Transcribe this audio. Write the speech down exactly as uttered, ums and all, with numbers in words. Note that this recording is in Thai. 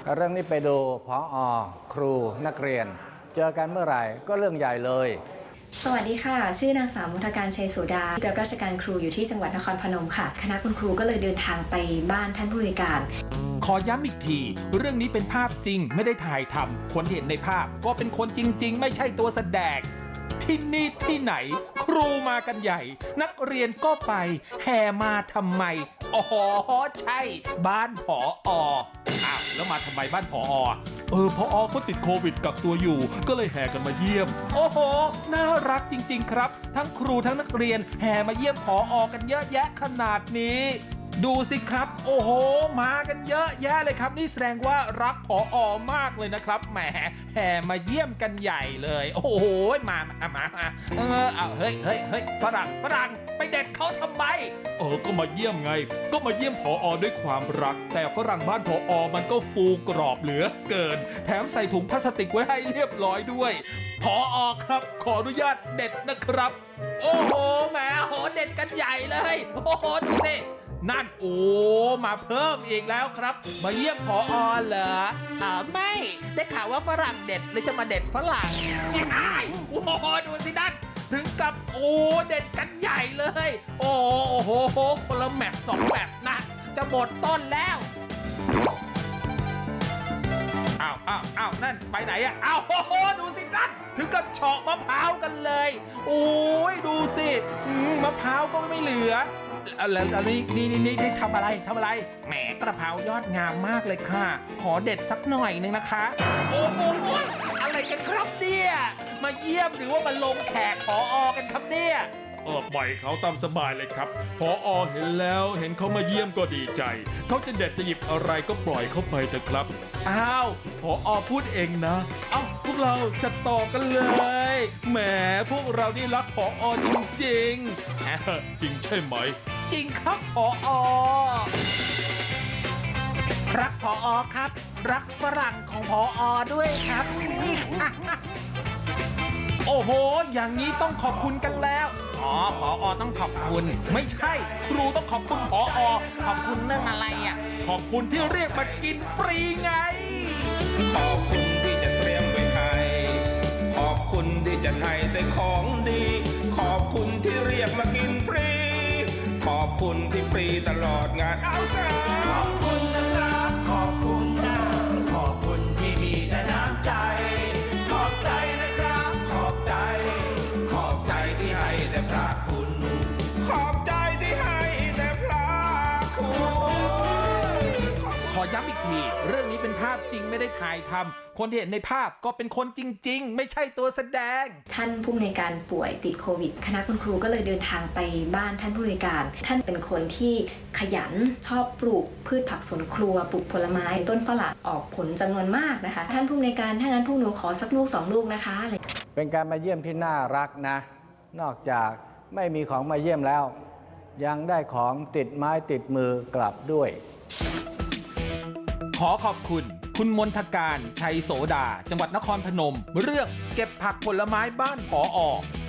เรื่องนี้ไปดูผอ.ครูนักเรียนเจอกันเมื่อไหร่ก็เรื่องใหญ่เลยสวัสดีค่ะชื่อนางสาวมุทการชัยโสดารับราชการครูอยู่ที่จังหวัดนครพนมค่ะคณะคุณครูก็เลยเดินทางไปบ้านท่านผู้อำนวยการขอย้ำอีกทีเรื่องนี้เป็นภาพจริงไม่ได้ถ่ายทำคนเห็นในภาพก็เป็นคนจริงๆไม่ใช่ตัวแสดงที่นี่ที่ไหนครูมากันใหญ่นักเรียนก็ไปแห่มาทำไมอ๋อใช่บ้านผอ.อ้าวแล้วมาทำไมบ้านผอ.เออผอ.เขาติดโควิดกักตัวอยู่ก็เลยแห่กันมาเยี่ยมโอ้โหน่ารักจริงๆครับทั้งครูทั้งนักเรียนแห่มาเยี่ยมผอ.กันเยอะแยะขนาดนี้ดูสิครับโอ้โหมากันเยอะแยะเลยครับนี่แสดงว่ารักผอ.มากเลยนะครับแหมแห่มาเยี่ยมกันใหญ่เลยโอ้โหมามามาเออเอาเฮ้ยเฮ้ยเฮ้ยฝรั่งฝรั่งไปเด็ดเขาทำไมเออก็มาเยี่ยมไงก็มาเยี่ยมผอ.ด้วยความรักแต่ฝรั่งบ้านผอ.มันก็ฟูกรอบเหลือเกินแถมใส่ถุงพลาสติกไว้ให้เรียบร้อยด้วยผอ.ครับขออนุญาตเด็ดนะครับโอ้โหแหมโหเด็ดกันใหญ่เลยโอ้โหดูสินั่นโอ้มาเพิ่มอีกแล้วครับมาเยี่ยมผอ.เหรออ่าไม่ได้ข่าวว่าฝรั่งเด็ดเลยจะมาเด็ดฝรั่งโอ้โหดูสินั่นถึงกับโอ้เด็ดกันใหญ่เลยโอ้โหคนละแมปสองแมปนะจะหมดต้นแล้วอ้าวอ้าวอ้าวนั่นไปไหนอะอ้าวโอ้โหดูสินั่นถึงกับเฉาะมะพร้าวกันเลยโอ้ยดูสิมะพร้าวก็ไม่เหลือแล้วนี่นี่นี่นี่ทำอะไรทำอะไรแหมกระเพรายอดงามมากเลยค่ะขอเด็ดสักหน่อยนึงนะคะโอ้โหอะไรกันครับเนี่ยมาเยี่ยมหรือว่ามาลงแขกผอ.กันครับเนี่ยเออปล่อยเขาตามสบายเลยครับผอ.เห็นแล้วเห็นเขามาเยี่ยมก็ดีใจเขาจะเด็ดจะหยิบอะไรก็ปล่อยเขาไปเถอะครับอ้าวผอ.พูดเองนะเอ้าพวกเราจะต่อกันเลยแหมพวกเรานี่รักผอ.จริงๆจริงใช่ไหมจริงครับผอ.รักผอ.ครับรักฝรั่งของผอ.ด้วยครับนี่โอ้โหอย่างนี้ต้องขอบคุณกันแล้วอ๋อผอ.ต้องขอบคุณไม่ใช่ครูต้องขอบคุณผอ.ขอบคุณเรื่องอะไรอ่ะขอบคุณที่เรียกมากินฟรีไงขอบคุณที่จะเตรียมไว้ให้ขอบคุณที่จะให้แต่ของดีขอบคุณที่เรียกมากินฟรีขอบคุณที่ฟรีตลอดงานเอาซะขอบคุณนะครับขอบคุณนะขอบคุณที่มีแต่น้ำใจขอบใจนะครับขอบใจขอบใจที่ให้แต่พระคุณขอบใจที่ให้แต่พระคุณขอย้ำอีกทีเรื่องนี้เป็นภาพจริงไม่ได้ถ่ายทำคนที่เห็นในภาพก็เป็นคนจริงๆไม่ใช่ตัวแสดงท่านผู้อำนวยการป่วยติดโควิดคณะคุณครูก็เลยเดินทางไปบ้านท่านผู้อำนวยการท่านเป็นคนที่ขยันชอบปลูกพืชผักสวนครัวปลูกผลไม้ต้นฝรั่งออกผลจำนวนมากนะคะท่านผู้อำนวยการถ้างั้นพวกหนูขอสักลูกสองลูกนะคะเป็นการมาเยี่ยมที่น่ารักนะนอกจากไม่มีของมาเยี่ยมแล้วยังได้ของติดไม้ติดมือกลับด้วยขอขอบคุณคุณมนทการชัยโสดาจังหวัดนครพนมเรื่องเก็บผักผลไม้บ้านผอ